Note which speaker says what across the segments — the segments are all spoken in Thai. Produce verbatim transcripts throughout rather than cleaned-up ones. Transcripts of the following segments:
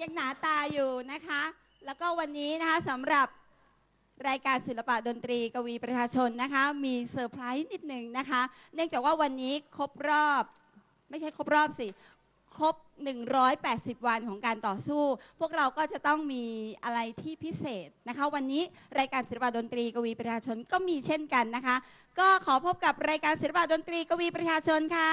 Speaker 1: ยังหนาตาอยู่นะคะ แล้วก็วันนี้นะคะสำหรับรายการศิลปะดนตรีกวีประชาชนนะคะมีเซอร์ไพรส์นิดหนึ่งนะคะเนื่องจากว่าวันนี้ครบรอบไม่ใช่ครบรอบสิครบหนึ่งร้อยแปดสิบวันของการต่อสู้พวกเราก็จะต้องมีอะไรที่พิเศษนะคะวันนี้รายการศิลปะดนตรีกวีประชาชนก็มีเช่นกันนะคะก็ขอพบกับรายการศิลปะดนตรีกวีประชาชนค่ะ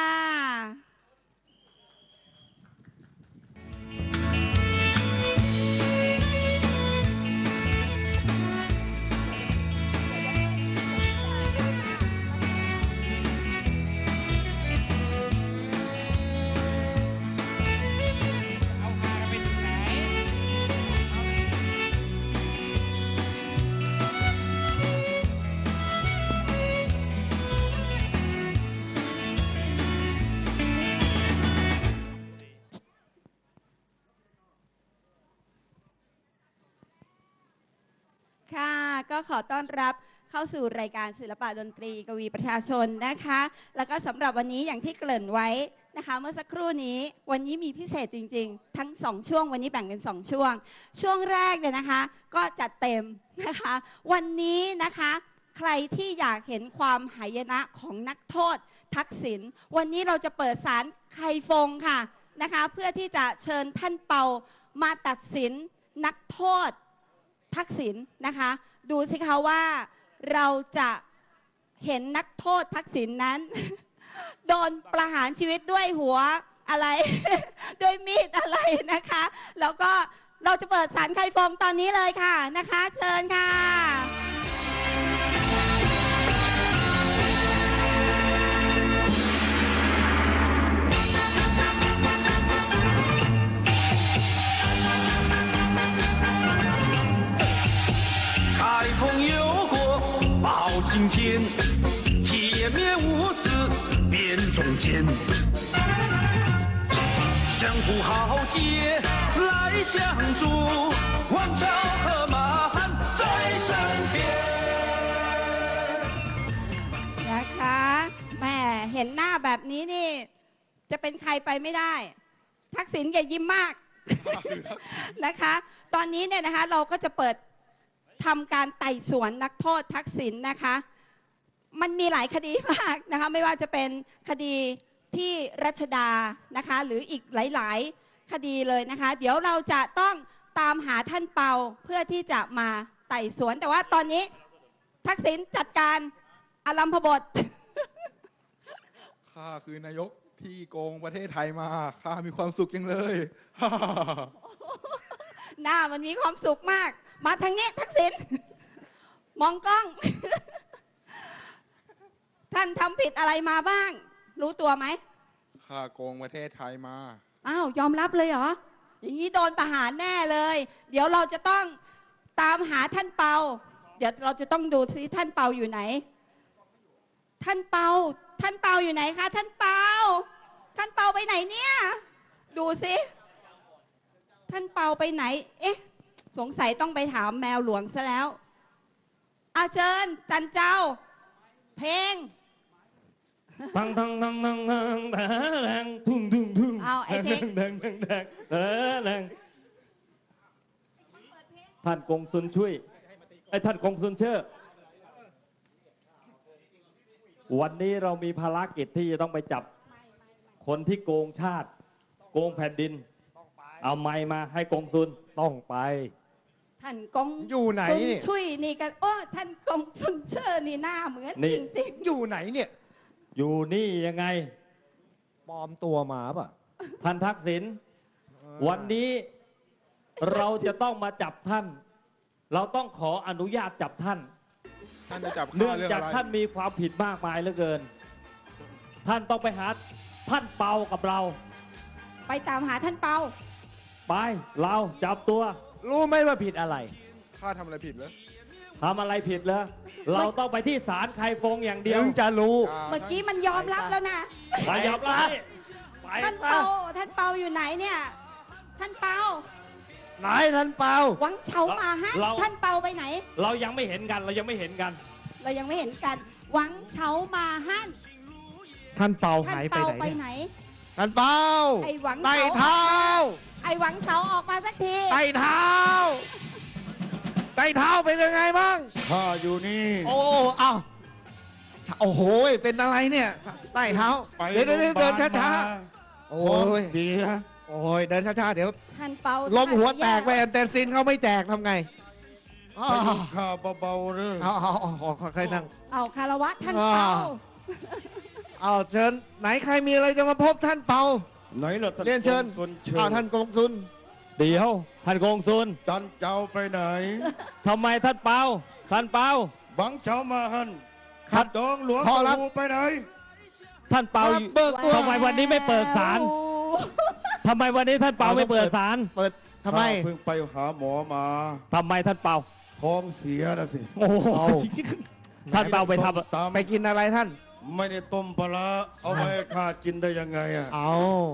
Speaker 1: ค่ะก็ขอต้อนรับเข้าสู่รายการศิลปะดนตรีกวีประชาชนนะคะแล้วก็สำหรับวันนี้อย่างที่เกริ่นไว้นะคะเมื่อสักครู่นี้วันนี้มีพิเศษจริงๆทั้งสองช่วงวันนี้แบ่งเป็นสองช่วงช่วงแรกเนี่ยนะคะก็จัดเต็มนะคะวันนี้นะคะใครที่อยากเห็นความหายนะของนักโทษทักษิณวันนี้เราจะเปิดศาลไคฟงค่ะนะคะเพื่อที่จะเชิญท่านเปามาตัดสินนักโทษทักษิณนะคะดูสิคะว่าเราจะเห็นนักโทษทักษิณนั้น โดนประหารชีวิตด้วยหัวอะไร ด้วยมีดอะไรนะคะแล้วก็เราจะเปิดศาลไคฟงตอนนี้เลยค่ะนะคะเชิญค่ะ
Speaker 2: 开封有国报青天，铁面无私辨忠奸。江湖豪杰来相助，王朝和马汉在身边。
Speaker 1: นะคะแหมเห็นหน้าแบบนี้นี่จะเป็นใครไปไม่ได้ทักษิณแกยิ้มมาก นะคะตอนนี้เนี่ยนะคะเราก็จะเปิดทำการไต่สวนนักโทษทักษิณนะคะมันมีหลายคดีมากนะคะไม่ว่าจะเป็นคดีที่รัชดานะคะหรืออีกหลายๆคดีเลยนะคะเดี๋ยวเราจะต้องตามหาท่านเปาเพื่อที่จะมาไต่สวนแต่ว่าตอนนี้ทักษิณจัดการอารัมพบท
Speaker 3: ข้าคือนายกที่โกงประเทศไทยมาข้ามีความสุขจังเลย
Speaker 1: หน้ามันมีความสุขมากมาทางนี้ทักษิณมองกล้อง ท่านทำผิดอะไรมาบ้าง รู้ตัวไหม
Speaker 3: ข้าโกงประเทศไทยมา
Speaker 1: อ้าวยอมรับเลยเหรออย่างนี้โดนประหารแน่เลย เดี๋ยวเราจะต้องตามหาท่านเปาเดี๋ยวเราจะต้องดูซิท่านเปาอยู่ไหนท่านเปาท่านเปาอยู่ไหนคะท่านเปาท่านเปาไปไหนเนี่ยดูซิท่านเปาไปไหนเอ๊ะสงสัยต้องไปถามแมวหลวงซะแล้วอาเชิญจันเจ้าเพลง
Speaker 4: ทังทังทังทังทังแดงทุ่งทุ่งทุ่ง
Speaker 1: เอาไอ้เพลง
Speaker 4: แดงแดงแดงแดงท่านกงสุนช่วยไอ้ท่านกงสุนเชื่อวันนี้เรามีภารกิจที่จะต้องไปจับคนที่โกงชาติโกงแผ่นดินเอาไม้มาให้กงสุน
Speaker 5: ต้องไป
Speaker 1: ท่านกง
Speaker 5: อยู่ไหน
Speaker 1: เนี่ยช่วยนี่กันโอ้ท่านกงสุนเชื่อนี่หน้าเหมือนจริง
Speaker 5: ๆอยู่ไหนเนี่ย
Speaker 4: อยู่นี่ยังไง
Speaker 5: ปลอมตัวมาป่ะ
Speaker 4: ท่านทักษิณวันนี้เราจะต้องมาจับท่านเราต้องขออนุญาตจับท่าน
Speaker 3: ท่านจะจับ
Speaker 4: เนื่องจากท่านมีความผิดมากมายเหลือเกินท่านต้องไปหาท่านเปากับเรา
Speaker 1: ไปตามหาท่านเปา
Speaker 4: ไปเราจับตัว
Speaker 5: รู้ไหมว่าผิดอะไร
Speaker 3: ข้าทำอะไรผิดเหรอ
Speaker 4: ทำอะไรผิดเหรอเราต้องไปที่ศาลไคฟงอย่างเดียว
Speaker 5: ถึงจะรู้
Speaker 1: เมื่อกี้มันยอมรับแล้วนะ
Speaker 4: ไปยอมรับ
Speaker 1: ท่านเปาท่านเปาอยู่ไหนเนี่ยท่านเปา
Speaker 5: ไหนท่านเปา
Speaker 1: หวังเฉามาฮะท่านเปาไปไหน
Speaker 4: เรายังไม่เห็นกันเรายังไม่เห็นกัน
Speaker 1: เรายังไม่เห็นกันหวังเฉามาฮั่น
Speaker 5: ท่านเปาหายไปไหน
Speaker 1: ไหน
Speaker 5: ท่านเปา
Speaker 1: ไอหวัง
Speaker 5: ไต่เท้า
Speaker 1: ไอหวังเฉาออกมาสักที
Speaker 5: ไต่เท้า ไต่เท้าเป็นยังไงบ้าง
Speaker 6: ข้าอยู่นี่
Speaker 5: โอ้เอ้าโอ้โห เป็นอะไรเนี่ย ไต่เท้า
Speaker 6: ไป
Speaker 5: เดี๋ยวเดี๋ยวเดี๋ยวเดินช้าๆ โอ้
Speaker 6: โอ้
Speaker 5: ย
Speaker 6: ยเสีย
Speaker 5: โอ้ย เดินช้าๆ เดี๋ยว
Speaker 1: ท่านเปา
Speaker 5: ลมหัวแตกไปแอนเตนซินเขาไม่แจกทำไงอ๋อ
Speaker 6: ไปดูข้าเบาๆเลย
Speaker 5: เอาเอาเอาเอาค่อยๆนั่ง
Speaker 1: เอาคารวะท่าน
Speaker 5: อ่า
Speaker 1: เปา
Speaker 5: เอาเชิญ ไหนใครมีอะไรจะมาพบท่านเปา
Speaker 6: ไหนล่ะท่าน
Speaker 5: เรียนเชิญ
Speaker 6: กงสุลเชิญ
Speaker 5: เอาท่านกงซุน
Speaker 4: เดี๋ยวท่านกงซุน
Speaker 6: จันเจ้าไปไหน
Speaker 4: ทำไมท่านเปาท่านเปา
Speaker 6: บังเช้ามาหัน
Speaker 4: ครับ
Speaker 6: ดองหลวง
Speaker 5: พอแล้ว
Speaker 6: ตะลูไปไหน
Speaker 4: ท่านเปา
Speaker 5: ครับเบิกตัว
Speaker 4: ทำไมวันนี้ไม่เปิดศาลทำไมวันนี้ท่านเปาไม่เปิดศาล
Speaker 5: เปิดทำไม
Speaker 6: ข้าเพิ่งไปหาหมอมา
Speaker 4: ทำไมท่านเปา
Speaker 6: ท้องเสียนะสิ
Speaker 4: โอ้โห
Speaker 5: เอา
Speaker 4: ท่านเปาไปท
Speaker 6: ส้มตำ
Speaker 5: ไปกินอะไรท่าน
Speaker 6: ไม่ได้ต้มปลาร้าเอาไปให้ข้ากินได้ยังไงอ่ะ
Speaker 5: เอา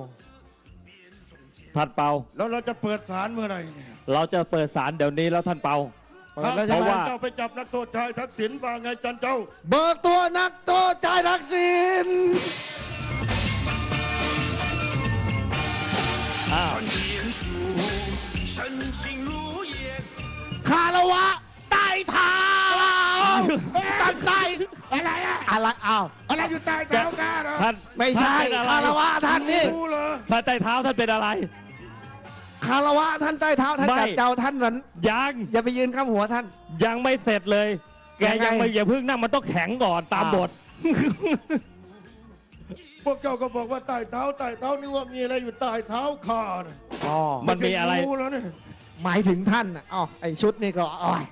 Speaker 4: ำท่านเปา
Speaker 6: แล้วเราจะเปิดศาลเมื่อไหร่เนี่ย
Speaker 4: เราจะเปิดศาลเดี๋ยวนี้แล้วท่านเปา
Speaker 5: เปิดแล้วใช่
Speaker 4: เพ
Speaker 5: ไหม
Speaker 4: ราะว่า
Speaker 6: เจ้าไปจับนักโทษชายทักษิณว่าไงจันเจ้า
Speaker 5: เบิกตัวนักโทษชายทักษิณ
Speaker 4: อ้าว
Speaker 2: 穿天书，深情如烟。
Speaker 5: คารวะใต้เท้าตัดใต้อะไรอะอะไรอ้าว
Speaker 6: อะไรอยู่ใต้เท้าข้าเหรอ
Speaker 4: ท่าน
Speaker 5: ไม่ใช่
Speaker 4: ท่นเป็นอะไร
Speaker 5: คารวะท่านนี่
Speaker 6: รู้เหรอ
Speaker 4: ท่านใต้เท้าท่านเป็นอะไร
Speaker 5: คารวะท่านใต้เท้าท่าน
Speaker 4: ไม่
Speaker 5: จับเจ้าท่านนั้น
Speaker 4: ยัง
Speaker 5: อย่าไปยืนข้ามหัวท่าน
Speaker 4: ยังไม่เสร็จเลย แก
Speaker 5: ยังไง
Speaker 4: ยังไม่อย่าเพึ่งนั่งมันต้องแข็งก่อนตาม
Speaker 5: อ้าว
Speaker 4: บท
Speaker 6: พวกเจ้าก็บอกว่าใต้เท้าใต้เท้านี่ว่ามีอะไรอยู่ใต้เท้าข้าน่ะ
Speaker 5: อ๋อ
Speaker 4: มันมีอะไร
Speaker 6: รู้แล้วเนี่ย
Speaker 5: หมายถึงท่านน่ะอ๋อไอชุดนี่ก็อ๋อย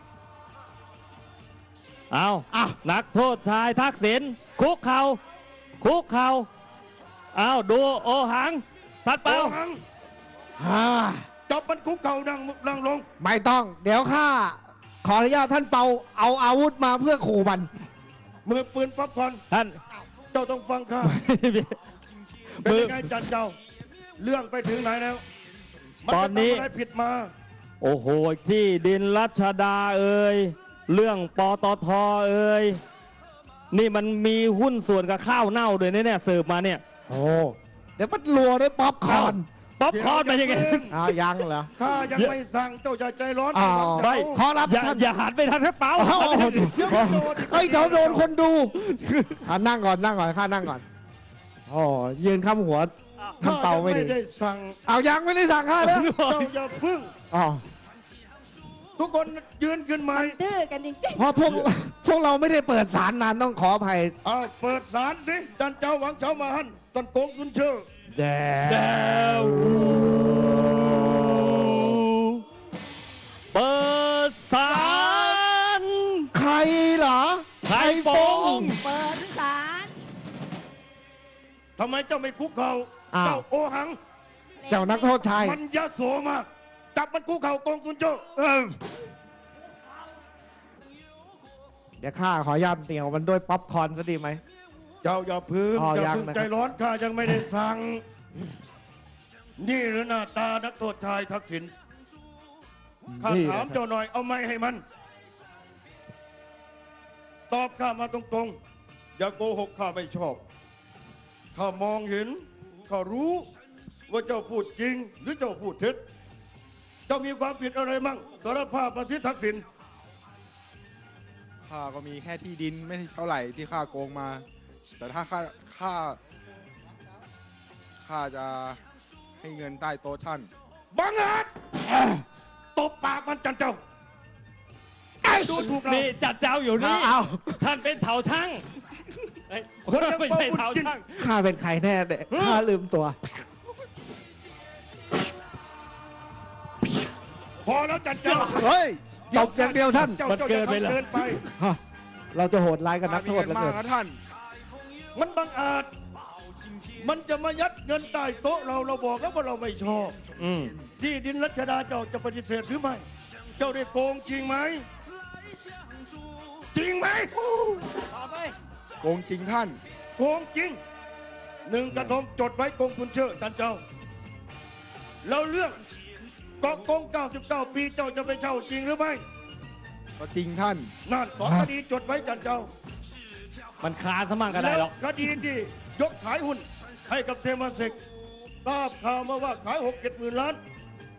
Speaker 4: เอา
Speaker 5: อ้าว
Speaker 4: นักโทษชายทักษิณคุกเข่าคุกเข่าเอาดูโอหังทัดเปา
Speaker 6: โอ้หัง
Speaker 5: ฮ่า
Speaker 6: จับมันคุกเข่าดังดังลง
Speaker 5: ไม่ต้อง เดี๋ยวข้าขออนุญาตท่านเปาเอาอาวุธมาเพื่อขู่มัน
Speaker 6: มือปืนป๊อปคอร์น
Speaker 4: ท่าน
Speaker 6: เจ้าต้องฟังข้า เป็น
Speaker 4: มือ
Speaker 6: ยังไงจันเจ้า เรื่องไปถึงไหนแล้วมั
Speaker 4: ตอนนี้
Speaker 6: จะทำอะไรผิดมา
Speaker 4: โอ้โหที่ดินรัชดาเอ่ยเรื่องปตทเอ่ยนี่มันมีหุ้นส่วนกับข้าวเน่าด้วยนะเนี่ยสืบมาเนี่ย
Speaker 5: โอ้เดี๋ยวมันรัวด้วยป๊อปคอร์น
Speaker 4: ป๊อปคอร์นเป็นยังไง
Speaker 5: อ้าวยังเหรอ
Speaker 6: ข้ายังไม่สั่งเจ้าจะใจร้อน
Speaker 5: อ้าว
Speaker 6: เจ้า
Speaker 4: ไม่
Speaker 5: ขอรับ
Speaker 4: อย่า
Speaker 5: ท่าน
Speaker 4: อย่าหันไปทางทัดเปา
Speaker 5: อ้าวเฮ้ยเดี๋ยวโดนคนดูอ่ะนั่งก่อนนั่งก่อนข้านั่งก่อนอ๋อยืนข้ามหัวท่าน
Speaker 6: ข้า
Speaker 5: เปา
Speaker 6: ยัง
Speaker 5: ไม่
Speaker 6: ไม่
Speaker 5: ดี
Speaker 6: ได้สั่ง
Speaker 5: เอายังไม่ได้สั่งข้าเลย
Speaker 6: เจ้าอย่าพึ่ง
Speaker 5: อ๋อ
Speaker 6: ทุกคนยืนขึ้นไหม
Speaker 1: มันดื้อกันจริง
Speaker 5: เพราะพวกพวกเราไม่ได้เปิดสารนานต้องขออภัย
Speaker 6: เอาเปิดศาลสิจันเจ้าหวังเช้ามาหันตันโกงสุนเชื่อ
Speaker 5: แด
Speaker 4: แดวเปิดศาล
Speaker 5: ใครเหรอ
Speaker 4: ไข่ฟง
Speaker 1: ๆ เปิดศาล
Speaker 6: ทำไมเจ้าไม่คุกเข่า
Speaker 5: อ้าว
Speaker 6: เจ้าโอหัง
Speaker 5: เจ้านักโทษชาย
Speaker 6: มันยะโสมากจับมันคุกเข่าโกงสุนเชื่อ
Speaker 5: เออเดี๋ยวข้าขอยันเตี่ยวมันด้วยป๊อปคอร์นซะดีไหม
Speaker 6: เจ้าอย่าพึ่ง
Speaker 5: อ๋อ
Speaker 6: อย่า
Speaker 5: ยัง
Speaker 6: พึ่ง
Speaker 5: นะครับ
Speaker 6: ใจร้อนข้ายังไม่ได้สั่ง นี่หรือหน้าตานักโทษชายทักษิณข้า
Speaker 5: นี่
Speaker 6: ถาม
Speaker 5: นะครับ
Speaker 6: เจ้าหน่อยเอาไม่ให้มัน ตอบข้ามาตรงๆ อย่าโกหกข้าไม่ชอบ ข้ามองเห็น ข้ารู้ว่าเจ้าพูดจริง หรือเจ้าพูดเท็จ เจ้ามีความผิดอะไรมั่งสารภาพมาสิทักษิณ
Speaker 3: ข้าก็มีแค่ที่ดินไม่เท่าไหร่ที่ข้าโกงมา แต่ถ้าข้าข้าข้าจะให้เงินใต้โต๊ะท่าน
Speaker 6: บังอาจตบปากมันจันเจ้าดูถูกเรา
Speaker 4: นี่จัดเจ้าอยู่นี่
Speaker 5: เอา
Speaker 4: ท่านเป็นเถาช่างเอ้ย
Speaker 6: คนยัง
Speaker 4: ไม่ใช่
Speaker 6: เป่าบุญ
Speaker 4: เถา
Speaker 6: จิ้น
Speaker 4: ช่าง
Speaker 5: ข้าเป็นใครแน่เนี่ยข้าลืมตัว
Speaker 6: พอแล้วจันเจ้า
Speaker 5: เฮ้ยตบอย่างเดียวท่าน
Speaker 6: เจ้า
Speaker 4: มัน
Speaker 6: เจ้า
Speaker 4: เกิ
Speaker 6: อย่าน
Speaker 4: ไปเหรอ
Speaker 6: ทำเกินไป
Speaker 5: ฮะเราจะโหดร้ายกับนั
Speaker 3: ข้าก มี
Speaker 5: โทษ
Speaker 3: เงิ
Speaker 5: เหลือ
Speaker 3: มาก
Speaker 5: เกิน
Speaker 3: นะท่าน
Speaker 6: มันบังอาจ มันจะมายัดเงินใต้โต๊ะเราเราบอกแล้วว่าเราไม่ชอบ
Speaker 4: อืม
Speaker 6: ที่ดินรัชดาเจ้าจะปฏิเสธหรือไม่ เจ้าได้โกงจริงไหม จริงไหม
Speaker 3: โกงจริงท่าน
Speaker 6: โกงจริง หนึ่งกระทงจดไว้โกงสุนเชื่อจันเจ้า แล้วเรื่องเกาะโกงเก้าสิบเก้า ปีเจ้าจะไปเช่าจริงหรือไม่
Speaker 3: ก็จริงท่าน
Speaker 6: นั่นสองคดีจดไว้จันเจ้า
Speaker 4: มันคาสมั่งก็ได้หรอก
Speaker 6: แล้วคดีที่ยกขายหุ้นให้กับเทมาเซกทราบข่าวมาว่าขายหกเจ็ดหมื่นล้าน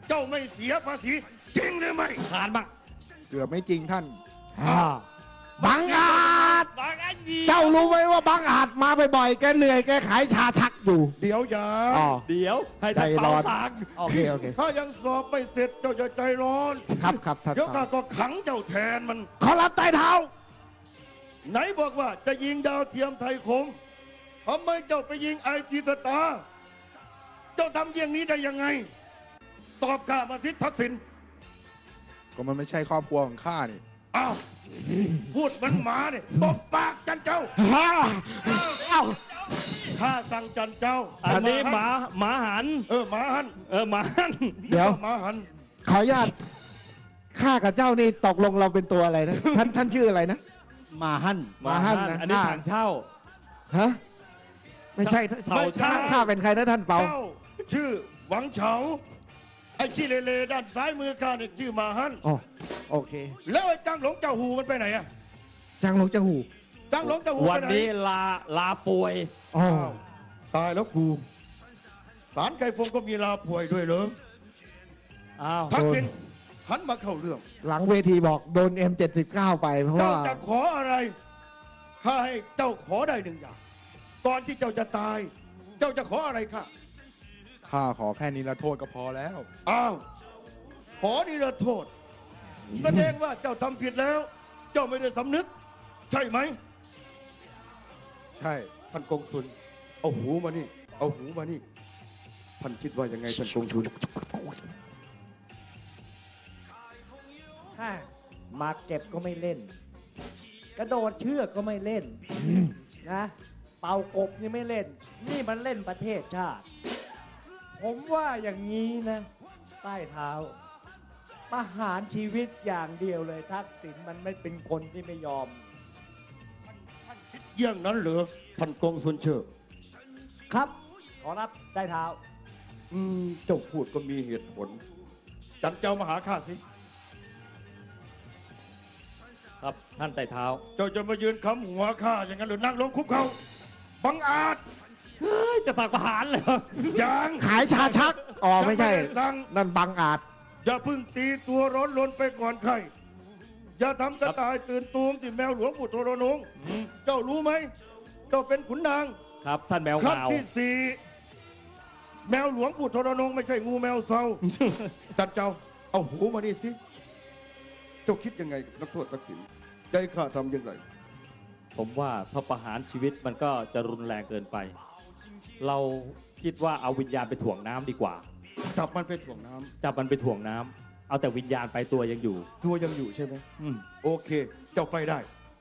Speaker 6: เจ้าไม่เสียภาษีจริงหรือไม่
Speaker 4: ขานบ้าง
Speaker 3: เกือบไม่จริงท่าน
Speaker 5: อ่าบังอาจ
Speaker 4: บางอันดี
Speaker 5: เจ้ารู้ไหมว่าบังอาจมาบ่อยๆแกเหนื่อยแกขายชาชักอยู่
Speaker 6: เดี๋ยวอย่า
Speaker 5: อ๋อ
Speaker 4: เดี๋ยวให้ท่าน
Speaker 5: ใจร้
Speaker 4: เป่า
Speaker 5: อน
Speaker 4: สัง
Speaker 5: โอเคโอเค
Speaker 6: ถ้ายังสอบไม่เสร็จเจ้าจะใจร้อน
Speaker 5: ครับครับท่าน
Speaker 6: เดี๋ยวข้าก็ขังเจ้าแทนมัน
Speaker 5: ขอรับใต้เท้า
Speaker 6: ไหนบอกว่าจะยิงดาวเทียมไทยคมทำไมเจ้าไปยิงไอทีสตาร์เจ้าทำอย่างนี้ได้ยังไง ตอบข้ามาสิทักษิณ
Speaker 3: ก็มันไม่ใช่ครอบครัวของข้านี่
Speaker 6: อ้าวพูดเหมันหมาเนี่ยตบปากจันเจ้า
Speaker 5: เอ้า
Speaker 6: ข้าสั่งจันเจ้า
Speaker 4: อันนี้หมาหมาหัน
Speaker 6: เออหมาหัน
Speaker 4: เออหมาหัน
Speaker 5: เดี๋ยว
Speaker 6: หมาหัน
Speaker 5: ขออนุญาตข้ากับเจ้านี่ตกลงเราเป็นตัวอะไรนะ ท่านท่านชื่ออะไรนะ
Speaker 7: มาหั่น
Speaker 4: หมาหันอันนี้ถังเช่า
Speaker 5: ฮะไม่ใช่
Speaker 4: เฉาเช่า
Speaker 5: ข้าข้าเป็นใครนะท่านเปา
Speaker 6: เจ้าชื่อหวังเฉาไอ้ชี้เลๆด้านซ้ายมือข้าเนี่ยชื่อหมาหัน
Speaker 5: อ๋อโอเค
Speaker 6: แล้วไอ้จังหลงเจ้าหูมันไปไหนอะ
Speaker 5: จังหลงจังหู
Speaker 6: จังหลงเจ้าหู
Speaker 4: วัน
Speaker 6: ไปไหน
Speaker 4: นี้ลาลาป่วย
Speaker 5: อ๋อ
Speaker 6: อ้าวตายแล้วกูสารไก่ฟงก็มีลาป่วยด้วยเหรอ
Speaker 4: อ้าว
Speaker 6: ทักษิณหันมาเข้าเรื่อง
Speaker 5: หลังเวทีบอกโดน เอ็ม เจ็ดสิบเก้า ไปเพราะ
Speaker 6: เจ้า
Speaker 5: ว่า
Speaker 6: จะขออะไรข้าให้เจ้าขอได้หนึ่งอย่างก่อนที่เจ้าจะตาย เจ้าจะขออะไรข้า
Speaker 3: ข้าขอแค่นี้ละโทษก็พอแล้ว
Speaker 6: อ้าวขอนิรโทษแสดงว่าเจ้าทำผิดแล้ว เจ้าไม่ได้สำนึก ใช่ไหม
Speaker 3: ใช่
Speaker 6: ท่านกงสุลเอาหูมานี่ เอาหูมานี่ท่านคิดว่ายังไงท่านกงสุล
Speaker 7: ฮ่ามาเก็บก็ไม่เล่น กระโดดเชือกก็ไม่เล่นนะ เป่ากบยังไม่เล่น นี่มันเล่นประเทศชาติ ผมว่าอย่างนี้นะ ใต้เท้า ประหารชีวิตอย่างเดียวเลยทักษิณมันไม่เป็นคนที่ไม่ยอม
Speaker 6: เยี่ยงนั้นเหรอท่านกงสุลเชิญ
Speaker 7: ครับ ขอรับใต้เท้า
Speaker 6: อืมเจ้าพูดก็มีเหตุผล จันเจ้ามาหาข้าสิ
Speaker 4: ครับท่านไต่เท้า
Speaker 6: เจ้าจะมายืนค้ำหัวข้าอย่างนั้นหรือนั่งลงคุกเขาบังอาจ
Speaker 4: เฮ้ย จะสักประหารเลย
Speaker 6: ยัง
Speaker 5: ขายชาชัก อ๋อไม่ใช่
Speaker 6: ยังด้สั่ง
Speaker 5: นั่นบังอาจ
Speaker 6: อย่าเพึ่งตีตัวร้อนรนไปก่อนใคร อย่าทำกระต่ายตื่นตูมที่แมวหลวงปู่โทรนง
Speaker 4: อืม
Speaker 6: เจ้ารู้ไหม เจ้าเป็นขุนนาง
Speaker 4: ครับท่านแมว
Speaker 6: ครั้ง
Speaker 4: ขาว
Speaker 6: ที่สี่แมวหลวงปู่โทรนงไม่ใช่งูแมวเซา จันเจ้า เอาหูมานี่สิ เจ้าคิดยังไงกับนักโทษทักษิณใจข้าทำยังไง
Speaker 4: ผมว่าถ้าประหารชีวิตมันก็จะรุนแรงเกินไป เราคิดว่าเอาวิญญาณไปถ่วงน้ำดีกว่า
Speaker 6: จับมันไปถ่วงน้ำ
Speaker 4: จับมันไปถ่วงน้ำเอาแต่วิญญาณไปตัวยังอยู่
Speaker 6: ตัวยังอยู่ใช่ไหม
Speaker 4: อืม
Speaker 6: โอเค เจ้าไปได้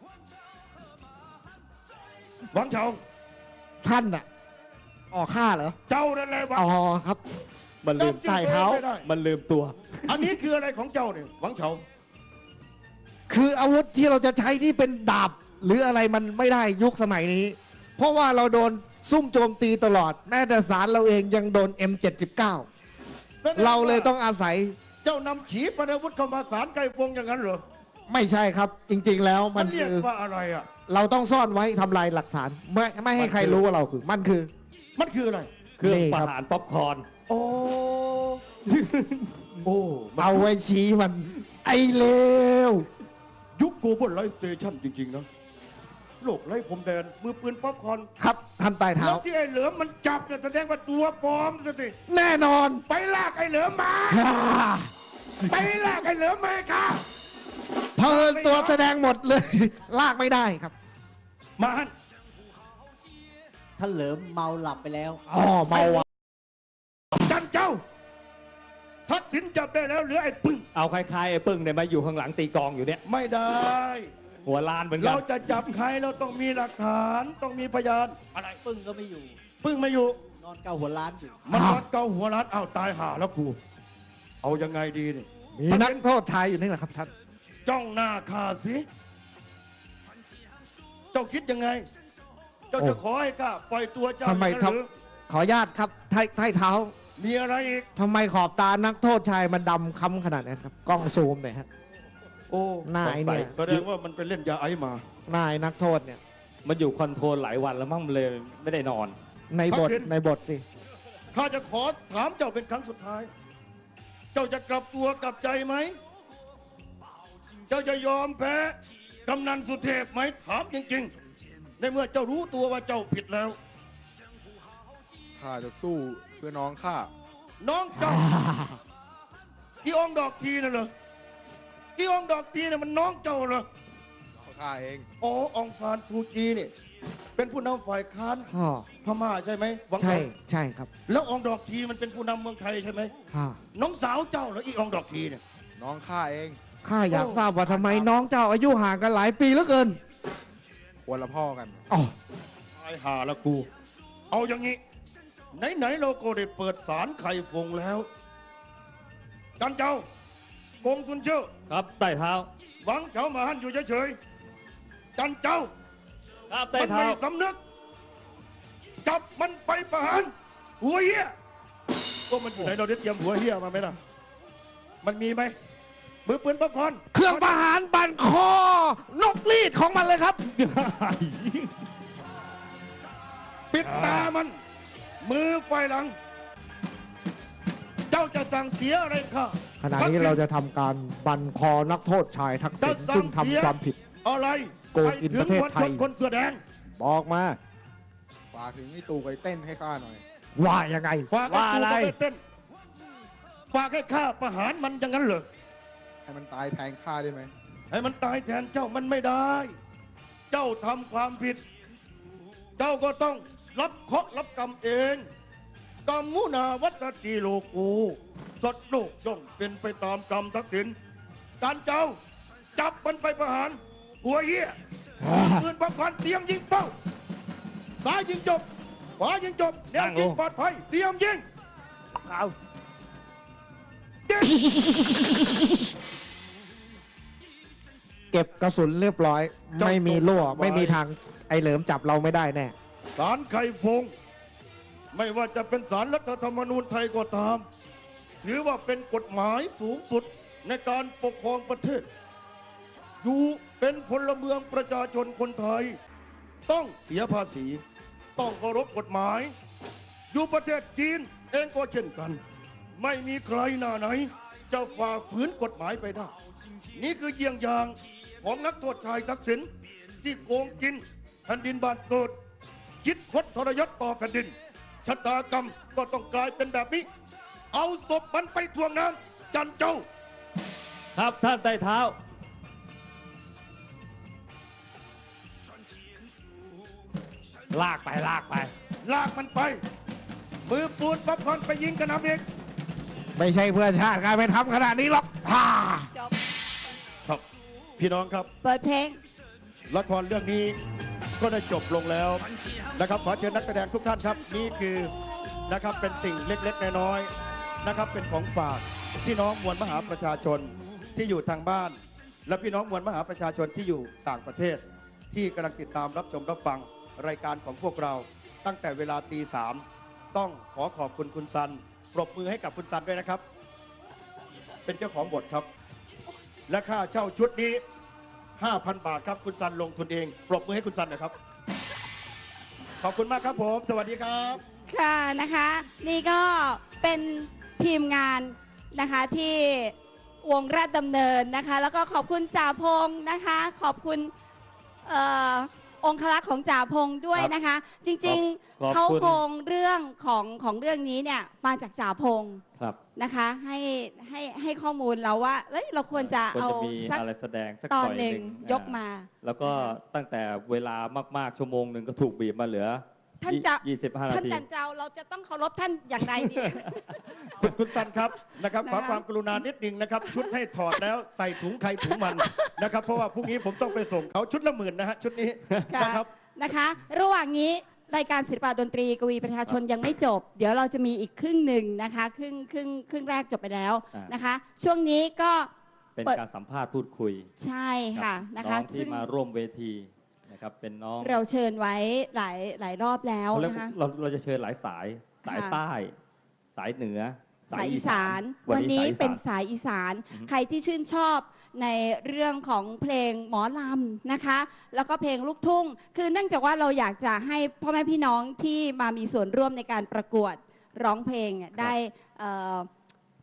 Speaker 6: หวังเฉา
Speaker 5: ท่านอะอ๋อข้าเหรอ
Speaker 6: เจ้านั่นแหละหวัง
Speaker 5: อ๋อครับ
Speaker 4: มันลืม
Speaker 6: จำชื่อ
Speaker 5: ใต้เท้า
Speaker 6: ตัวองไม่ได้
Speaker 4: มันลืมตัว
Speaker 6: อันนี้คืออะไรของเจ้าเนี่ย หวังเฉา
Speaker 5: คืออาวุธที่เราจะใช้ที่เป็นดาบ หรืออะไรมันไม่ได้ยุคสมัยนี้ เพราะว่าเราโดนซุ่มโจมตีตลอด แม้แต่สารเราเองยังโดน เอ็ม เจ็ดสิบเก้า
Speaker 6: แสดงว่า
Speaker 5: เราเลยต้องอาศัย
Speaker 6: เจ้านำฉีปนาวุธเข้ามาสารไก่ฟงอย่างนั้นเหรอ
Speaker 5: ไม่ใช่ครับ จริง ๆ แล้ว
Speaker 6: มั
Speaker 5: มัน น
Speaker 6: เรียก
Speaker 5: คือ
Speaker 6: ว่าอะไรอ่ะ
Speaker 5: เราต้องซ่อนไว้ทำลายหลักฐาน ไม่ไม่ให้ใครรู้ว่าเราคือ มันคือ
Speaker 6: มันคืออะไร
Speaker 4: เครื่อง
Speaker 5: นี่
Speaker 4: ประ
Speaker 5: ครับ
Speaker 4: หารป๊อปคอร์น
Speaker 6: โอ้ โอ้มัน
Speaker 5: เอาไว้ชี้มัน ไอเลว
Speaker 6: ยุคโกลบอลไลฟ์สเตชันจริง ๆ นะ โลกไร้พรมแดน มือปืนป๊อปคอร์น
Speaker 5: ครับท่านใต้เท้า
Speaker 6: แล้วที่ไอ้เหลิมมันจับเนี่ยแสดงว่าตัวปลอมซะสิ
Speaker 5: แน่นอน
Speaker 6: ไปลากไอ้เหลิมมา ไปลากไอ้เหลิมมาค่ะ
Speaker 5: เพลินตัวแสดงหมดเลย ลากไม่ได้ครับ
Speaker 6: มาฮัน
Speaker 7: ท่านเหลิมเมาหลับไปแล้ว
Speaker 5: อ๋อเมาอ่ะ
Speaker 6: จันเจ้า ทักษิณจับได้แล้วเหลือไอ้ปึ้ง
Speaker 4: เอาคล้ายๆไอ้ปึ้งเนี่ยมาอยู่ข้างหลังตีกลองอยู่เนี่ย
Speaker 6: ไม่ได้
Speaker 4: หัวลานเหมือนกั
Speaker 6: เรา
Speaker 4: น
Speaker 6: จะจับใครเราต้องมีหลักฐานต้องมีพยาน อะไร
Speaker 7: ปึ้งก็ไม่อยู่
Speaker 6: ปึ้งไม่อยู่
Speaker 7: นอนเกาหัวล้านอยู่
Speaker 6: มันนอนเกาหัวร้านอ้าวตายห่าแล้วกู เอายังไงดีนี่
Speaker 5: มีนักโทษชายอยู่นี่แหละครับท่าน
Speaker 6: จ้องหน้าข้าสิ เจ้าคิดยังไง เจ้าจะขอให้ข้าปล่อยตัวเจ้า
Speaker 5: ทำไม
Speaker 6: อย่างนั้นหรือ
Speaker 5: ขออนุญาตครับไทไทเท้า
Speaker 6: มีอะไรอีก
Speaker 5: ทำไมขอบตานักโทษชายมันดำค้ำขนาดนั้นครับ กล้องซูมหน่อยฮะ
Speaker 6: โอ้
Speaker 5: นายเนี่ย
Speaker 6: แสดงว่ามันไปเล่นยาไอซ์มา
Speaker 5: นายนักโทษเนี่ย
Speaker 4: มันอยู่คอนโทรลหลายวันแล้วมั่งมันเลยไม่ได้นอน
Speaker 5: ในบท
Speaker 6: ทักษิณ
Speaker 5: ในบทสิ
Speaker 6: ข้าจะขอถามเจ้าเป็นครั้งสุดท้ายเจ้าจะกลับตัวกลับใจไหมเจ้าจะยอมแพ้กำนันสุเทพไหมถามจริงๆในเมื่อเจ้ารู้ตัวว่าเจ้าผิดแล้ว
Speaker 3: ข้าจะสู้เพื่อน้องข้า
Speaker 6: น้องเจ้า อีองดอกทีน่ะเหรออีองดอกทีน่ะมันน้องเจ้าเหรอ
Speaker 3: ข้าเอง
Speaker 6: อ๋อองซานซูจีนี่เป็นผู้นำฝ่ายค้าน
Speaker 5: อ๋อ
Speaker 6: พม่าใช่ไหมหวัง
Speaker 5: ใช่
Speaker 6: ผล
Speaker 5: ใช่ครับ
Speaker 6: แล้วองดอกทีมันเป็นผู้นำเมืองไทยใช่ไหม
Speaker 5: อ่า
Speaker 6: น้องสาวเจ้าเหรออีองดอกทีเนี่ย
Speaker 3: น้องข้าเอง
Speaker 5: ข้าอยากทราบว่าทำไมน้องเจ้าอายุห่างกันหลายปีเหลือเกิน
Speaker 3: คนละพ่อกัน
Speaker 5: อ๋อ
Speaker 6: ตายหาละกู เอาอย่างนี้ไหนๆเราก็ได้เปิดสารไข่ฟงแล้วจันเจ้ากงซุนเจ้า
Speaker 4: ครับใต้เท้า
Speaker 6: หวังเจ้ามาหันอยู่เฉยๆจันเจ้า
Speaker 4: ครับใต้
Speaker 6: มัน
Speaker 4: เท้า
Speaker 6: ไม่สำนึก จับมันไปประหารหัวเหี้ยก็มันอยู่ไหนเราได้เตรียมหัวเหี้ยมาไหมล่ะ มันมีไหมมือปืนป๊อปคอร์น
Speaker 5: เครื่องประหารบันคอนกรีดของมันเลยครับ
Speaker 6: ปิดตามัน มือไฟหลัง เจ้าจะสั่งเสียอะไรข้า
Speaker 5: ขณะนี้เราจะทำการบันคอนักโทษชายทักษิณซึ่งทำความผิด
Speaker 6: อะไร
Speaker 5: โกงกินประเทศไทย
Speaker 6: ปถึงมวลชนคนเสื้อแดง
Speaker 5: บอกมา
Speaker 3: ฝากถึงไอ้ตู่ไปเต้นให้ข้าหน่อย
Speaker 5: ว่ายังไง
Speaker 6: ฝากให้
Speaker 5: ว่า
Speaker 6: ตู
Speaker 5: อะไร
Speaker 6: ไปเต้น ฝากให้ข้าประหารมันอย่างนั้นเหรอ
Speaker 3: ให้มันตายแทนข้าได้ไหม
Speaker 6: ให้มันตายแทนเจ้ามันไม่ได้ เจ้าทำความผิด เจ้าก็ต้องรับเคราะห์รับกรรมเองกรรมมุนาวัตติโลกูสัตว์โลกย่อมเป็นไปตามกรรมทักษิณการเจ้าจับมันไปประหาร หัวเหี้ยปืนปักพันเตรียมยิงเป้าซ้ายยิงจบขวายิงจบแนวยิงปลอดภัยเตรียมยิง
Speaker 7: เอา
Speaker 6: ยิง
Speaker 5: เก็บกระสุนเรียบร้อย ไม่มีรั่วไม่มีทางไอเหลิมจับเราไม่ได้แน่
Speaker 6: ศาลไข่ฟง ไม่ว่าจะเป็นศาลรัฐธรรมนูญไทยก็ตาม ถือว่าเป็นกฎหมายสูงสุดในการปกครองประเทศ อยู่เป็นพลเมืองประชาชนคนไทย ต้องเสียภาษี ต้องเคารพกฎหมาย อยู่ประเทศจีนเองก็เช่นกัน ไม่มีใครหน้าไหน จะฝ่าฝืนกฎหมายไปได้ นี่คือเยี่ยงอย่างของนักโทษชายทักษิณที่โกงกินแผ่นดินบ้านเกิด คิดคดทรยศต่อแผ่นดินชะตากรรมก็ต้องกลายเป็นแบบนี้ เอาศพมันไปทวงน้ำจันเจ้า
Speaker 4: ครับท่านใต้เท้า ลากไปลากไป
Speaker 6: ลากมันไป มือปูนป๊อปคอร์นไปยิงกระหน่ำเอง
Speaker 5: ไม่ใช่เพื่อชาติใครไปทำขนาดนี้หรอกฮ่า
Speaker 1: จบ
Speaker 6: ครับ พี่น้องครับ
Speaker 1: เปิดเพลง
Speaker 6: ละครเรื่องนี้ก็ได้จบลงแล้วนะครับขอเชิญนักแสดงทุกท่านครับนี่คือนะครับเป็นสิ่งเล็กๆน้อยๆนะครับเป็นของฝากพี่น้องมวลมหาประชาชนที่อยู่ทางบ้าน และพี่น้องมวลมหาประชาชนที่อยู่ต่างประเทศ ที่กำลังติดตามรับชมรับฟังรายการของพวกเราตั้งแต่เวลาตีสามต้องขอขอบคุณคุณซันปรบมือให้กับคุณซันด้วยนะครับ เป็นเจ้าของบทครับ และค่าเช่าชุดนี้ห้าพัน บาทครับคุณซันลงทุนเองปรบมือให้คุณซันหน่อยครับ ขอบคุณมากครับผม สวัสดีครับ
Speaker 1: ค่ะนะคะ นี่ก็เป็นทีมงานนะคะที่วงราชดำเนินนะคะ แล้วก็ขอบคุณจ่าพงษ์นะคะ ขอบคุณเอ่อองคลักษ์ของจ่าพงษ์ด้วยนะคะ จริง
Speaker 4: ขอบ
Speaker 1: ๆเขา
Speaker 4: คุณ
Speaker 1: โครงเรื่องของของเรื่องนี้เนี่ยมาจากจ่าพงษ์
Speaker 4: ครับ
Speaker 1: นะคะให้ให้ให้ข้อมูลเราว่าเอ้ยเราควรจะ
Speaker 4: ควร
Speaker 1: เอา
Speaker 4: จะมี
Speaker 1: สัก
Speaker 4: อะไรแสดงสัก
Speaker 1: ตอน
Speaker 4: หน่อย
Speaker 1: หนึ่ง
Speaker 4: อ่
Speaker 1: ยกมา
Speaker 4: แล้วก็ตั้งแต่เวลามากๆชั่วโมงหนึ่งก็ถูกบีบมาเหลือ
Speaker 1: ท่านจะ
Speaker 4: ยี่สิบห้านา
Speaker 1: ท่าน
Speaker 4: ที
Speaker 1: จันเจ้าเราจะต้องเคารพท่านอย่างไรดี
Speaker 6: คุณคุณซันครับนะครับขอ
Speaker 1: นะคะ
Speaker 6: ความกรุณานิดนึงนะครับ ชุดให้ถอดแล้วใส่ถุงใครถุงมันนะครับ เพราะว่าพรุ่งนี้ผมต้องไปส่งเขาชุดละหมื่นนะฮะชุดนี้
Speaker 1: ค่ะ
Speaker 6: นะครับ
Speaker 1: นะคะ ระหว่างนี้รายการศิลปะดนตรีกวีประชาชนยังไม่จบ เดี๋ยวเราจะมีอีกครึ่งหนึ่งนะคะครึ่งครึ่งครึ่งแรกจบไปแล้ว
Speaker 4: อ่าน
Speaker 1: นะคะ ช่วงนี้ก็
Speaker 4: เป็น
Speaker 1: เปิด
Speaker 4: การสัมภาษณ์พูดคุย
Speaker 1: ใช่ค่ะนะ
Speaker 4: น้
Speaker 1: คะ
Speaker 4: องที่มาร่วมเวทีนะครับเป็นน้อง
Speaker 1: เราเชิญไว้หลายหลายรอบแล้ว
Speaker 4: เขาเรียก
Speaker 1: นะคะ
Speaker 4: เราเราจะเชิญหลายสาย สาย
Speaker 1: ค่ะ
Speaker 4: ใต้ สายเหนือ
Speaker 1: สายอีสาน
Speaker 4: วั
Speaker 1: วัน น
Speaker 4: นี้
Speaker 1: นี้
Speaker 4: สายอีสาน
Speaker 1: เป็นสายอีสาน
Speaker 4: อือฮึ
Speaker 1: ใครที่ชื่นชอบในเรื่องของเพลงหมอลำนะคะ แล้วก็เพลงลูกทุ่ง คือเนื่องจากว่าเราอยากจะให้พ่อแม่พี่น้องที่มามีส่วนร่วมในการประกวดร้องเพลงเนี่ยได้เอ่อ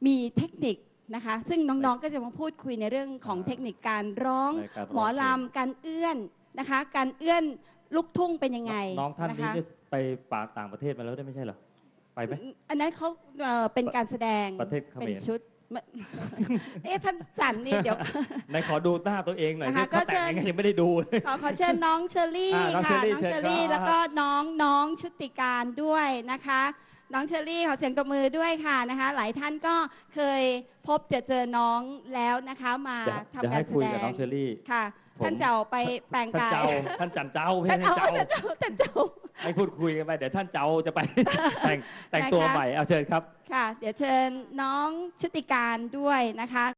Speaker 1: มีเทคนิคนะคะ ซึ่งน้องๆก็จะมาพูดคุยในเรื่องของเทคนิคการร้อง
Speaker 4: ในการร้อง
Speaker 1: หมอลำการเอื้อนนะคะ การเอื้อนลูกทุ่งเป็นยังไง
Speaker 4: น้องท่าน
Speaker 1: นะ
Speaker 4: นี้
Speaker 1: คะ
Speaker 4: ได้ไปป่าต่างประเทศมาแล้วได้ไม่ใช่เหรอ ไปไหม
Speaker 1: อันนั้นเขาเอ่อเป็นการแสดง
Speaker 4: ประเทศเขมร
Speaker 1: เป็นชุด ไม่ เอ๊ะท่านจันนี่เดี๋ยว
Speaker 4: ไหนขอดูหน้าตัวเองหน่อย
Speaker 1: นะคะ
Speaker 4: ที่เขา
Speaker 1: ก็เชิ
Speaker 4: แต่ง
Speaker 1: ญ
Speaker 4: ยังไงยังไม่ได้ดู
Speaker 1: ขอขอเชิญน้องเชอรี่
Speaker 4: อ่าน้อง
Speaker 1: ค่ะ
Speaker 4: เชอรี่
Speaker 1: น้องเชอ
Speaker 4: เชิญ
Speaker 1: รี่
Speaker 4: ครับ
Speaker 1: แล้วก็น้องน้องชุติการด้วยนะคะ น้องเชอรี่ขอเสียงตบมือด้วยค่ะนะคะ หลายท่านก็เคยพบเจอเจอน้องแล้วนะคะมา
Speaker 4: เดี๋ยว
Speaker 1: ทำ
Speaker 4: เดี๋ยว
Speaker 1: กา
Speaker 4: ให้
Speaker 1: รแส
Speaker 4: คุย
Speaker 1: ด
Speaker 4: กับน้
Speaker 1: ง
Speaker 4: องเชอรี่
Speaker 1: ค่ะ
Speaker 4: ผม
Speaker 1: ท่านเจ้าไปแปลง
Speaker 4: ท่าน
Speaker 1: กาย
Speaker 4: เจ้าท่านจันเจ้าไม่
Speaker 1: ท่าน
Speaker 4: ใช่
Speaker 1: เจ้า
Speaker 4: เจ้า
Speaker 1: ท่านเจ้าท่านเจ้า
Speaker 4: ให้พูดคุยกันไปเดี๋ยวท่านเจ้าจะไป แต่งแต่ง
Speaker 1: นะคะ
Speaker 4: ตัวใหม่เอาเชิญครับ
Speaker 1: ค่ะ เดี๋ยวเชิญน้องชุติการด้วยนะคะ